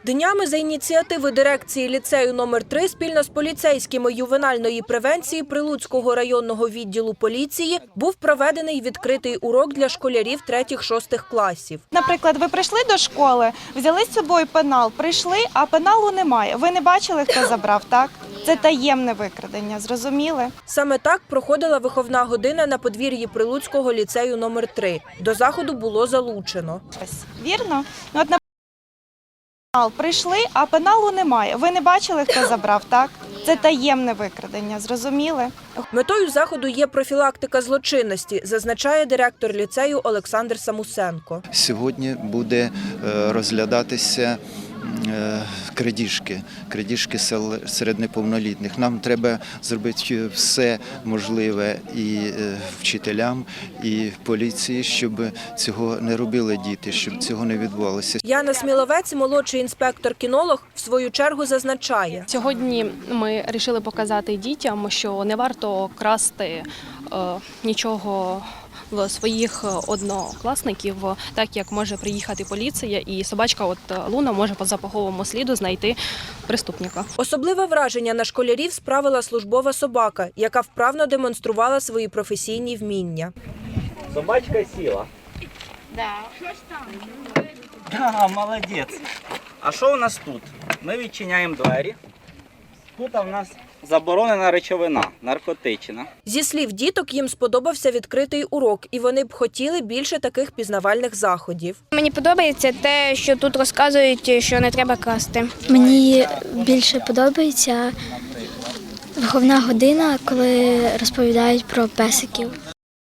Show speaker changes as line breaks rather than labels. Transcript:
Днями за ініціативи дирекції ліцею номер 3 спільно з поліцейськими ювенальної превенції Прилуцького районного відділу поліції був проведений відкритий урок для школярів 3-6 класів.
Наприклад, ви прийшли до школи, взяли з собою пенал, прийшли, а пеналу немає. Ви не бачили, хто забрав, так? Це таємне викрадення, зрозуміли?
Саме так проходила виховна година на подвір'ї Прилуцького ліцею номер 3. До заходу було залучено.
Вірно? От, наприклад, прийшли, а пеналу немає. Ви не бачили, хто забрав, так? Це таємне викрадення, зрозуміли?
Метою заходу є профілактика злочинності, зазначає директор ліцею Олександр Самусенко.
Сьогодні буде розглядатися крадіжки серед неповнолітніх. Нам треба зробити все можливе і вчителям, і поліції, щоб цього не робили діти, щоб цього не відбувалося.
Яна Сміловець, молодший інспектор-кінолог, в свою чергу зазначає.
Сьогодні ми вирішили показати дітям, що не варто красти нічого в своїх однокласників, так як може приїхати поліція і собачка Луна може по запаховому сліду знайти преступника.
Особливе враження на школярів справила службова собака, яка вправно демонструвала свої професійні вміння.
Собачка сіла. Да, молодець. А що у нас тут? Ми відчиняємо двері. Тут у нас заборонена речовина, наркотична.
Зі слів діток, їм сподобався відкритий урок, і вони б хотіли більше таких пізнавальних заходів.
Мені подобається те, що тут розказують, що не треба красти.
Мені більше подобається виховна година, коли розповідають про песиків.